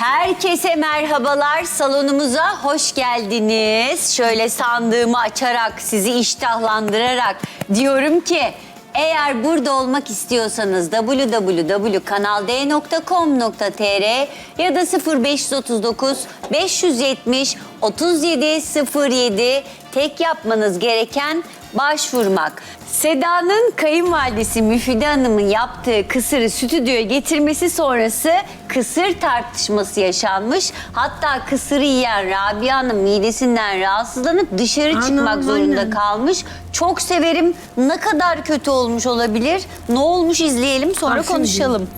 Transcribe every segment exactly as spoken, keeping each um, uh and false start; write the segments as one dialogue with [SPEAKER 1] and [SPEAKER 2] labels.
[SPEAKER 1] Herkese merhabalar, salonumuza hoş geldiniz. Şöyle sandığımı açarak, sizi iştahlandırarak diyorum ki... Eğer burada olmak istiyorsanız w w w nokta kanal d nokta com nokta t r ya da sıfır beş otuz dokuz beş yüz yetmiş otuz yedi sıfır yedi tek yapmanız gereken başvurmak. Seda'nın kayınvalidesi Müfide Hanım'ın yaptığı kısırı stüdyoya getirmesi sonrası kısır tartışması yaşanmış. Hatta kısırı yiyen Rabia Hanım midesinden rahatsızlanıp dışarı
[SPEAKER 2] Anam,
[SPEAKER 1] çıkmak zorunda
[SPEAKER 2] aynen.
[SPEAKER 1] kalmış. Çok severim. Ne kadar kötü olmuş olabilir? Ne olmuş izleyelim sonra
[SPEAKER 2] Bak şimdi.
[SPEAKER 1] konuşalım.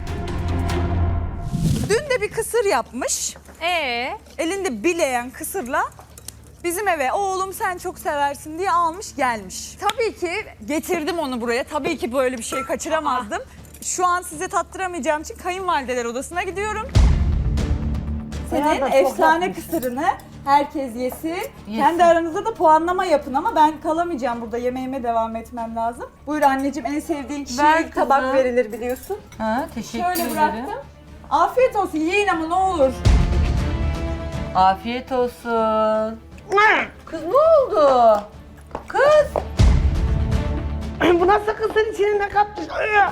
[SPEAKER 3] Dün de bir kısır yapmış.
[SPEAKER 4] Ee,
[SPEAKER 3] Elinde bileyen kısırla bizim eve oğlum sen çok seversin diye almış gelmiş. Tabii ki getirdim onu buraya. Tabii ki böyle bir şey kaçıramazdım. Şu an size tattıramayacağım için kayınvalideler odasına gidiyorum. Senin efsane kısırını herkes yesin. Kendi aranızda da puanlama yapın ama ben kalamayacağım burada. Yemeğime devam etmem lazım. Buyur anneciğim, en sevdiğin kişiye
[SPEAKER 4] Ver
[SPEAKER 3] ilk tabak
[SPEAKER 4] kızım.
[SPEAKER 3] verilir biliyorsun.
[SPEAKER 4] ha, teşekkür
[SPEAKER 3] Şöyle
[SPEAKER 4] ederim.
[SPEAKER 3] bıraktım. Afiyet olsun, yiyin ama ne olur.
[SPEAKER 4] Afiyet olsun. Kız ne oldu? Kız.
[SPEAKER 2] Bu nasıl kısır içine ne katmış?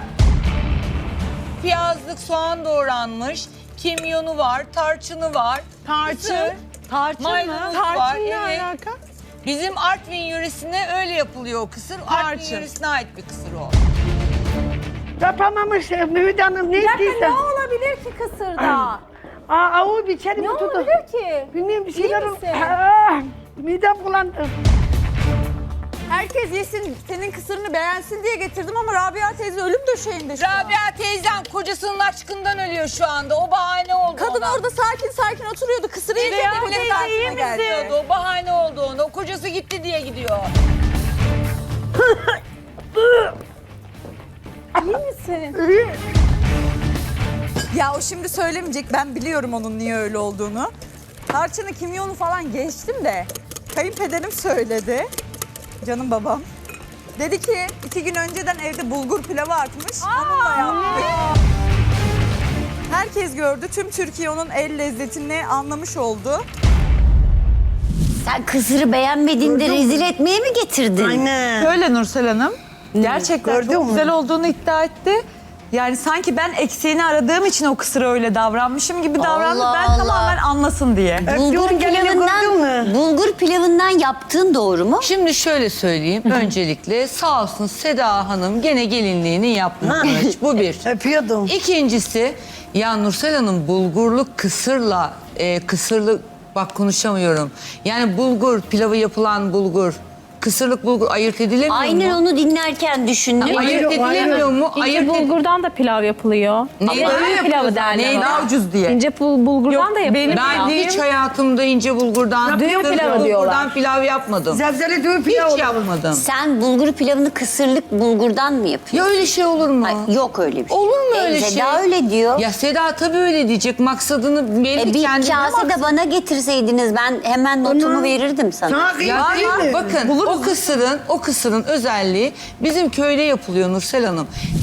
[SPEAKER 5] Piyazlık soğan doğranmış, kimyonu var, tarçını var. Tarçın?
[SPEAKER 4] Tarçın
[SPEAKER 5] Maydanoz var. Evet. Bizim Artvin yöresinde öyle yapılıyor o kısır. Artvin yöresine ait bir kısır o.
[SPEAKER 2] Yapamamış Mühide Hanım ne
[SPEAKER 6] Ne
[SPEAKER 2] ettiyse.
[SPEAKER 6] olabilir ki kısırda?
[SPEAKER 2] Aa, avu bir içeri
[SPEAKER 6] Ne
[SPEAKER 2] mi tuttu?
[SPEAKER 6] olabilir ki?
[SPEAKER 2] Bilmiyorum bir şeyler
[SPEAKER 6] İyi
[SPEAKER 2] oldu.
[SPEAKER 6] misin?
[SPEAKER 2] Aa, midem bulandı.
[SPEAKER 3] Herkes yesin, senin kısırını beğensin diye getirdim ama Rabia teyze ölüm döşeğinde şu an.
[SPEAKER 5] Rabia teyzem kocasının aşkından ölüyor şu anda. O bahane oldu
[SPEAKER 3] Kadın
[SPEAKER 5] ona.
[SPEAKER 3] orada sakin sakin oturuyordu. Kısırı yiyeceğim
[SPEAKER 5] Rabia
[SPEAKER 3] bile
[SPEAKER 5] teyze iyi
[SPEAKER 3] saatine geldi.
[SPEAKER 5] misin? O bahane oldu ona. O kocası gitti diye gidiyor.
[SPEAKER 6] İyi misin?
[SPEAKER 3] Ya o şimdi söylemeyecek. Ben biliyorum onun niye öyle olduğunu. Tarçını, kimyonu falan geçtim de kayınpederim söyledi. Canım babam. Dedi ki iki gün önceden evde bulgur pilavı artmış. Onunla yaptık. Herkes gördü. Tüm Türkiye onun el lezzetini anlamış oldu.
[SPEAKER 1] Sen kısırı beğenmediğinde rezil etmeye mi getirdin?
[SPEAKER 2] Aynen.
[SPEAKER 7] Öyle Nursel Hanım. Gerçekten
[SPEAKER 2] Gördün
[SPEAKER 7] çok
[SPEAKER 2] mü?
[SPEAKER 7] güzel olduğunu iddia etti. Yani sanki ben eksiğini aradığım için o kısırı öyle davranmışım gibi davrandı.
[SPEAKER 1] Allah
[SPEAKER 7] Ben
[SPEAKER 1] Allah.
[SPEAKER 7] tamamen anlasın diye.
[SPEAKER 1] Bulgur
[SPEAKER 2] Öptüğün gelini gördün
[SPEAKER 1] pilavından,
[SPEAKER 2] mü?
[SPEAKER 1] bulgur pilavından yaptığın doğru mu?
[SPEAKER 5] Şimdi şöyle söyleyeyim. Öncelikle sağ olsun Seda Hanım gene gelinliğini yapmış. Bu bir.
[SPEAKER 2] Öpüyordum.
[SPEAKER 5] İkincisi ya Nursel Hanım bulgurlu kısırla e, kısırlı bak konuşamıyorum. Yani bulgur pilavı yapılan bulgur kısırlık bulgur ayırt edilemiyor
[SPEAKER 1] Aynen
[SPEAKER 5] mu?
[SPEAKER 1] onu dinlerken düşündüm.
[SPEAKER 5] Ayırt
[SPEAKER 2] Ayrı-
[SPEAKER 5] edilemiyor mu?
[SPEAKER 8] İnce
[SPEAKER 5] Ayırt ed-
[SPEAKER 8] bulgurdan da pilav yapılıyor.
[SPEAKER 5] Neyden
[SPEAKER 8] Ama
[SPEAKER 5] yapılıyor
[SPEAKER 8] pilavı
[SPEAKER 5] zaten?
[SPEAKER 8] derler.
[SPEAKER 5] Neyden?
[SPEAKER 7] Daha ucuz diye.
[SPEAKER 8] İnce bul- bulgurdan da yapılıyor.
[SPEAKER 5] Ben hiç hayatımda ince bulgurdan,
[SPEAKER 8] Düğün
[SPEAKER 5] kısırlı
[SPEAKER 8] pilavı
[SPEAKER 5] bulgurdan
[SPEAKER 8] diyorlar.
[SPEAKER 5] pilav yapmadım.
[SPEAKER 2] Zevzeli düğü pilav
[SPEAKER 5] Hiç
[SPEAKER 2] oldu.
[SPEAKER 5] yapmadım.
[SPEAKER 1] Sen bulgur pilavını kısırlık bulgurdan mı yapıyorsun?
[SPEAKER 5] Ya öyle şey olur mu?
[SPEAKER 1] Ay, yok öyle bir şey.
[SPEAKER 5] Olur mu
[SPEAKER 1] E,
[SPEAKER 5] öyle şey?
[SPEAKER 1] Seda öyle diyor.
[SPEAKER 5] Ya Seda tabii öyle diyecek. Maksadını belli
[SPEAKER 1] E, bir
[SPEAKER 5] kendine
[SPEAKER 1] kase de bana getirseydiniz ben hemen notumu
[SPEAKER 2] Onu-
[SPEAKER 1] verirdim sana.
[SPEAKER 2] Sana
[SPEAKER 5] Ya
[SPEAKER 2] kıyım değil mi?
[SPEAKER 5] bakın o kısırın o kısırın özelliği bizim köyde yapılıyor Nursel Hanım.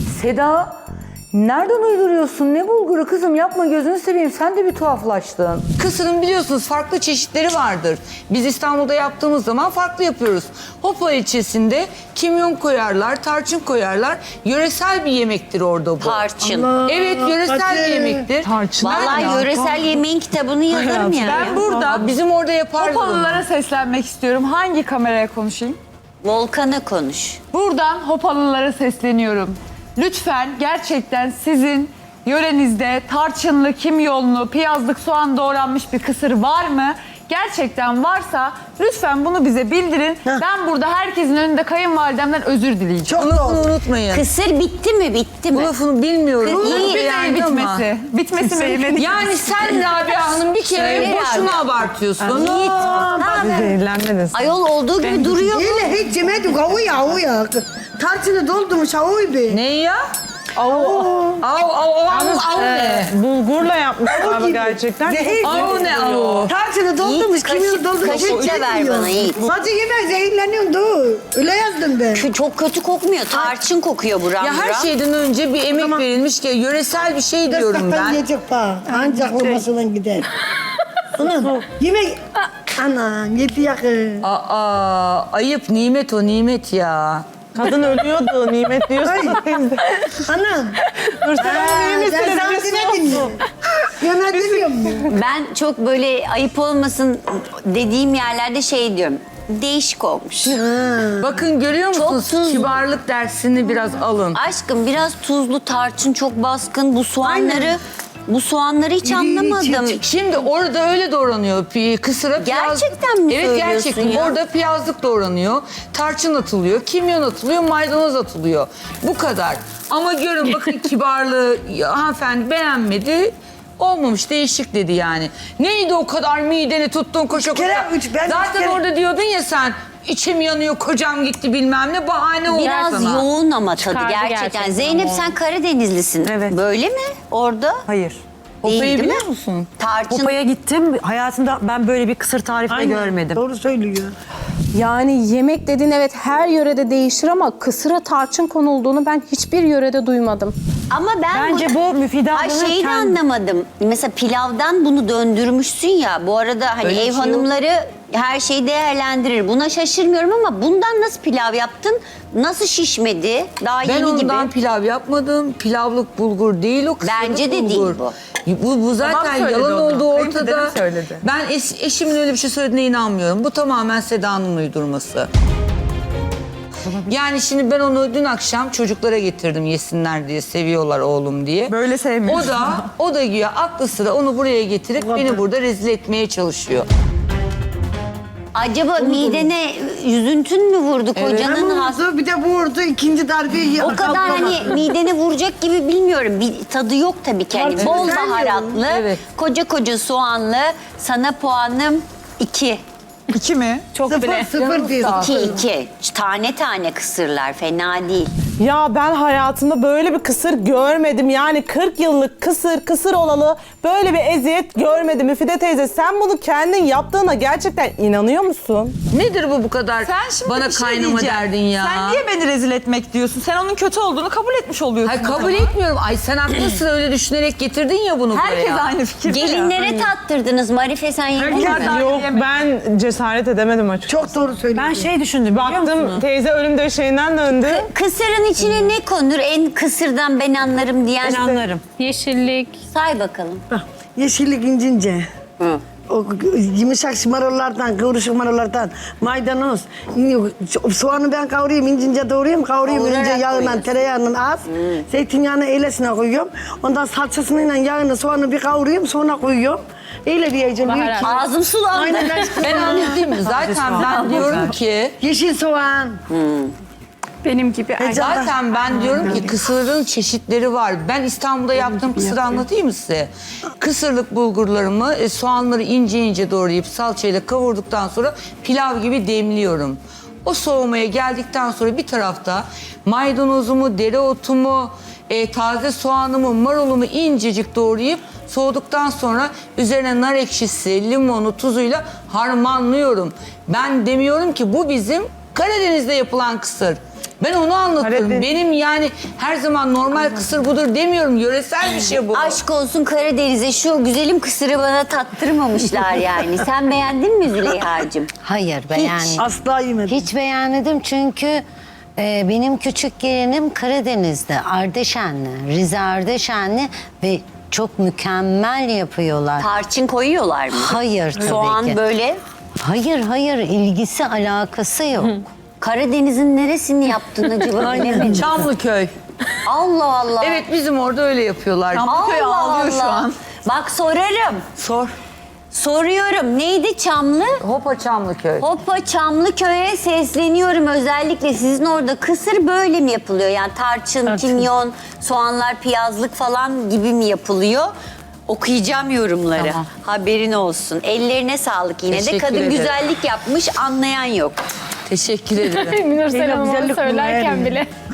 [SPEAKER 9] Seda nereden uyduruyorsun? Ne bulguru kızım, yapma gözünü seveyim, sen de bir tuhaflaştın.
[SPEAKER 5] Kısırın biliyorsunuz farklı çeşitleri vardır. Biz İstanbul'da yaptığımız zaman farklı yapıyoruz. Hopa ilçesinde kimyon koyarlar, tarçın koyarlar. Yöresel bir yemektir orada bu.
[SPEAKER 1] Tarçın.
[SPEAKER 5] Evet yöresel bir
[SPEAKER 2] Hadi.
[SPEAKER 5] yemektir.
[SPEAKER 7] Tarçın.
[SPEAKER 1] Vallahi yöresel yemeğin kitabını yazarım yani.
[SPEAKER 7] Ben burada
[SPEAKER 5] Bizim orada yaparlar. onu.
[SPEAKER 7] Hopalılara seslenmek istiyorum. Hangi kameraya konuşayım?
[SPEAKER 1] Volkan'a konuş.
[SPEAKER 7] Buradan Hopalılara sesleniyorum. Lütfen gerçekten sizin yörenizde tarçınlı, kimyonlu, piyazlık, soğan doğranmış bir kısır var mı? Gerçekten varsa lütfen bunu bize bildirin. Ben burada herkesin önünde kayınvalidemden özür dileyeceğim.
[SPEAKER 2] Çok
[SPEAKER 5] Bunu
[SPEAKER 2] doğru.
[SPEAKER 5] unutmayın.
[SPEAKER 1] Kısır bitti mi bitti mi?
[SPEAKER 5] Bu lafını bilmiyorum.
[SPEAKER 1] Kız-
[SPEAKER 5] Iyi
[SPEAKER 1] İyi.
[SPEAKER 7] Bir
[SPEAKER 5] yani
[SPEAKER 7] değil
[SPEAKER 5] ama.
[SPEAKER 7] bitmesi. Bitmesi mümkün.
[SPEAKER 5] Yani sen Rabia Hanım bir kere
[SPEAKER 1] Söyle
[SPEAKER 5] boşuna
[SPEAKER 1] Rabia.
[SPEAKER 5] abartıyorsun.
[SPEAKER 1] Yiğit. Ha,
[SPEAKER 7] Zehirlenmedin.
[SPEAKER 1] ayol olduğu gibi duruyor.
[SPEAKER 2] Öyle hiç yemedik avu ya avu ya. Tarçını doldurmuş avu be.
[SPEAKER 5] Ne ya? Av av av av ne?
[SPEAKER 2] Bulgurla yapmış galiba gerçekten. Zehir
[SPEAKER 5] Av ne av?
[SPEAKER 2] Tarçını doldurmuş, kimyonu doldurmuş.
[SPEAKER 1] kaşıkla ver bana Yiğit.
[SPEAKER 2] Sadece yeme zehirleniyorsun dur. Öyle yazdım ben.
[SPEAKER 1] Kü- Çok kötü kokmuyor. Tarçın kokuyor buram
[SPEAKER 5] Ya her
[SPEAKER 1] buram.
[SPEAKER 5] şeyden önce bir emek verilmiş ki yöresel bir şey diyorum ben.
[SPEAKER 2] yiyecek bak. Ancak olmasından gider. Anam yemek. Anam yedi yakın.
[SPEAKER 5] Aa, ayıp nimet o nimet ya.
[SPEAKER 8] Kadın ölüyordu, nimet diyorsun.
[SPEAKER 2] Anam. Dur sen sen sana dinledin. Yönetiliyor mu?
[SPEAKER 1] Ben çok böyle ayıp olmasın dediğim yerlerde şey diyorum. Değişik olmuş.
[SPEAKER 5] Bakın görüyor
[SPEAKER 1] Çok
[SPEAKER 5] musunuz?
[SPEAKER 1] tuzlu.
[SPEAKER 5] Kibarlık dersini biraz alın.
[SPEAKER 1] Aşkım biraz tuzlu, tarçın çok baskın. Bu soğanları bu soğanları hiç anlamadım.
[SPEAKER 5] Şimdi orada öyle doğranıyor. Pi- Kısıra piyaz...
[SPEAKER 1] Gerçekten mi
[SPEAKER 5] Evet
[SPEAKER 1] söylüyorsun
[SPEAKER 5] gerçekten.
[SPEAKER 1] ya?
[SPEAKER 5] Orada piyazlık doğranıyor. Tarçın atılıyor, kimyon atılıyor, maydanoz atılıyor. Bu kadar. Ama görün bakın kibarlığı ya, hanımefendi beğenmedi. Olmamış, değişik dedi yani. Neydi o kadar mideni tuttun koşa koşa.
[SPEAKER 2] kere, üç, ben üç
[SPEAKER 5] Zaten
[SPEAKER 2] kere-
[SPEAKER 5] orada diyordun ya sen, içim yanıyor, kocam gitti bilmem ne, bahane oldu
[SPEAKER 1] Biraz
[SPEAKER 5] sana.
[SPEAKER 1] yoğun ama tadı
[SPEAKER 8] Çıkardı
[SPEAKER 1] gerçekten.
[SPEAKER 8] gerçekten
[SPEAKER 1] Zeynep
[SPEAKER 8] ama.
[SPEAKER 1] sen Karadenizlisin.
[SPEAKER 10] Evet.
[SPEAKER 1] Böyle mi orada?
[SPEAKER 10] Hayır.
[SPEAKER 1] Değil,
[SPEAKER 5] Hopayı
[SPEAKER 1] değil mi?
[SPEAKER 5] biliyor musun?
[SPEAKER 1] Tarçın.
[SPEAKER 10] Popa'ya gittim. Hayatımda ben böyle bir kısır tarifi de görmedim.
[SPEAKER 2] Doğru söylüyor.
[SPEAKER 6] Yani yemek dediğin evet her yörede değişir ama kısıra tarçın konulduğunu ben hiçbir yörede duymadım.
[SPEAKER 1] Ama ben
[SPEAKER 10] Bence bu Müfide
[SPEAKER 1] Ay
[SPEAKER 10] ablanın
[SPEAKER 1] şeyi de
[SPEAKER 10] kendi-
[SPEAKER 1] anlamadım. Mesela pilavdan bunu döndürmüşsün ya. Bu arada hani
[SPEAKER 5] Öyle bir
[SPEAKER 1] ev
[SPEAKER 5] şey yok.
[SPEAKER 1] hanımları her şeyi değerlendirir. Buna şaşırmıyorum ama bundan nasıl pilav yaptın? Nasıl şişmedi? Daha
[SPEAKER 5] Ben
[SPEAKER 1] yeni
[SPEAKER 5] ondan
[SPEAKER 1] gibi.
[SPEAKER 5] pilav yapmadım. Pilavlık bulgur değil o, kısırlık
[SPEAKER 1] Bence de değil
[SPEAKER 5] bulgur.
[SPEAKER 1] bu.
[SPEAKER 5] Bu, bu zaten
[SPEAKER 3] Babam söyledi
[SPEAKER 5] yalan
[SPEAKER 3] onu.
[SPEAKER 5] olduğu
[SPEAKER 3] Kayınpederim
[SPEAKER 5] ortada.
[SPEAKER 3] söyledi.
[SPEAKER 5] Ben eş- eşimin öyle bir şey söylediğine inanmıyorum. Bu tamamen Seda'nın uydurması. Yani şimdi ben onu dün akşam çocuklara getirdim yesinler diye, seviyorlar oğlum diye.
[SPEAKER 3] Böyle sevmiyor.
[SPEAKER 5] O da o da güya aklı sıra onu buraya getirip beni burada rezil etmeye çalışıyor.
[SPEAKER 1] Acaba midene üzüntün mü vurdu kocanın has?
[SPEAKER 2] Vurdu, bir de vurdu. ikinci darbeyi
[SPEAKER 1] O kadar hani midene vuracak gibi bilmiyorum. Bir tadı yok tabii ki. Hani
[SPEAKER 2] Tabii,
[SPEAKER 1] bol
[SPEAKER 2] sen
[SPEAKER 1] baharatlı,
[SPEAKER 5] Evet.
[SPEAKER 1] koca koca soğanlı. Sana puanım iki.
[SPEAKER 3] İki mi?
[SPEAKER 6] Çok
[SPEAKER 2] Sıfır
[SPEAKER 6] bile.
[SPEAKER 2] sıfır diyor.
[SPEAKER 1] İki iki. Tane tane kısırlar fena değil.
[SPEAKER 11] Ya ben hayatımda böyle bir kısır görmedim. Yani kırk yıllık kısır, kısır olalı böyle bir eziyet görmedim. Müfide teyze sen bunu kendin yaptığına gerçekten inanıyor musun?
[SPEAKER 5] Nedir bu bu kadar
[SPEAKER 3] Sen şimdi
[SPEAKER 5] bana
[SPEAKER 3] bir şey
[SPEAKER 5] kaynama
[SPEAKER 3] diyeceğim.
[SPEAKER 5] derdin ya?
[SPEAKER 3] Sen niye beni rezil etmek diyorsun? Sen onun kötü olduğunu kabul etmiş oluyorsun.
[SPEAKER 5] Hayır kabul
[SPEAKER 3] adama.
[SPEAKER 5] etmiyorum. Ay sen aklı sıra öyle düşünerek getirdin ya bunu
[SPEAKER 3] Herkes
[SPEAKER 5] buraya.
[SPEAKER 3] aynı fikirde ya.
[SPEAKER 1] Gelinlere tattırdınız. Marife sen yedin mi?
[SPEAKER 3] Herkes-
[SPEAKER 11] Yok ben cesaret edemedim açıkçası.
[SPEAKER 2] Çok doğru söylüyor.
[SPEAKER 10] Ben şey düşündüm biliyor
[SPEAKER 11] Baktım
[SPEAKER 10] musun?
[SPEAKER 11] teyze ölüm döşeğinden döndü.
[SPEAKER 1] Kısırın içine ne konur? En kısırdan ben anlarım diyen.
[SPEAKER 10] Ben anlarım.
[SPEAKER 8] Yeşillik.
[SPEAKER 1] Say bakalım.
[SPEAKER 2] Yeşillik incince. O yumuşak marullardan, kıvrışık marullardan, maydanoz, soğanı ben kavuruyorum, incince doğrayayım, kavuruyorum,
[SPEAKER 1] Kavurarak
[SPEAKER 2] ince yağından,
[SPEAKER 1] koyuyorsun.
[SPEAKER 2] tereyağının az, zeytinyağını eylesine koyuyorum. Ondan salçasıyla yağını, soğanı bir kavuruyorum, sonra koyuyorum. Öyle diyeceğim. büyük
[SPEAKER 8] Baharat.
[SPEAKER 2] ki-
[SPEAKER 1] Ağzım sulandı.
[SPEAKER 2] Aynen aşkım.
[SPEAKER 5] Ben anlatayım mı? Zaten ben diyorum ki
[SPEAKER 2] Yeşil soğan.
[SPEAKER 6] Benim gibi.
[SPEAKER 2] Heyecandan-
[SPEAKER 5] zaten ben diyorum ki kısırın çeşitleri var. Ben İstanbul'da yaptığım kısırı anlatayım mı size? Kısırlık bulgurlarımı, e, soğanları ince ince doğrayıp salçayla kavurduktan sonra pilav gibi demliyorum. O soğumaya geldikten sonra bir tarafta maydanozumu, dereotumu, e, taze soğanımı, marulumu incecik doğrayıp soğuduktan sonra üzerine nar ekşisi, limonu, tuzuyla harmanlıyorum. Ben demiyorum ki bu bizim Karadeniz'de yapılan kısır. Ben onu anlatıyorum.
[SPEAKER 11] Karadeniz-
[SPEAKER 5] Benim yani her zaman normal kısır budur demiyorum. Yöresel bir şey bu.
[SPEAKER 1] Aşk olsun Karadeniz'e şu güzelim kısırı bana tattırmamışlar yani. Sen beğendin mi Züleyha'cığım?
[SPEAKER 12] Hayır beğenmedim.
[SPEAKER 2] Asla yemedim.
[SPEAKER 12] Hiç beğenmedim çünkü e, benim küçük gelinim Karadeniz'de, Ardeşenli, Rize Ardeşenli ve çok mükemmel yapıyorlar.
[SPEAKER 1] Tarçın koyuyorlar mı?
[SPEAKER 12] Hayır tabii
[SPEAKER 1] Soğan
[SPEAKER 12] ki.
[SPEAKER 1] böyle.
[SPEAKER 12] Hayır hayır ilgisi alakası yok.
[SPEAKER 1] Karadeniz'in neresini yaptın acaba bilemedim.
[SPEAKER 5] Çamlıköy.
[SPEAKER 1] Allah Allah.
[SPEAKER 5] Evet bizim orada öyle yapıyorlar.
[SPEAKER 3] Çamlıköy
[SPEAKER 1] Allah
[SPEAKER 3] ağlıyor şu
[SPEAKER 1] Allah.
[SPEAKER 3] an.
[SPEAKER 1] Bak sorarım.
[SPEAKER 5] Sor.
[SPEAKER 1] Soruyorum. Neydi Çamlı?
[SPEAKER 5] Hopa Çamlıköy.
[SPEAKER 1] Hoppa Çamlıköy'e sesleniyorum. Özellikle sizin orada kısır böyle mi yapılıyor? Yani tarçın, kimyon, soğanlar, piyazlık falan gibi mi yapılıyor? Okuyacağım yorumları.
[SPEAKER 5] Tamam.
[SPEAKER 1] Haberin olsun. Ellerine sağlık yine de.
[SPEAKER 5] Teşekkür
[SPEAKER 1] Kadın
[SPEAKER 5] ederim.
[SPEAKER 1] güzellik yapmış, anlayan yok.
[SPEAKER 5] Teşekkür ederim.
[SPEAKER 8] Münir Hanım onu
[SPEAKER 2] güzellik
[SPEAKER 8] söylerken
[SPEAKER 2] bunlar.
[SPEAKER 8] bile.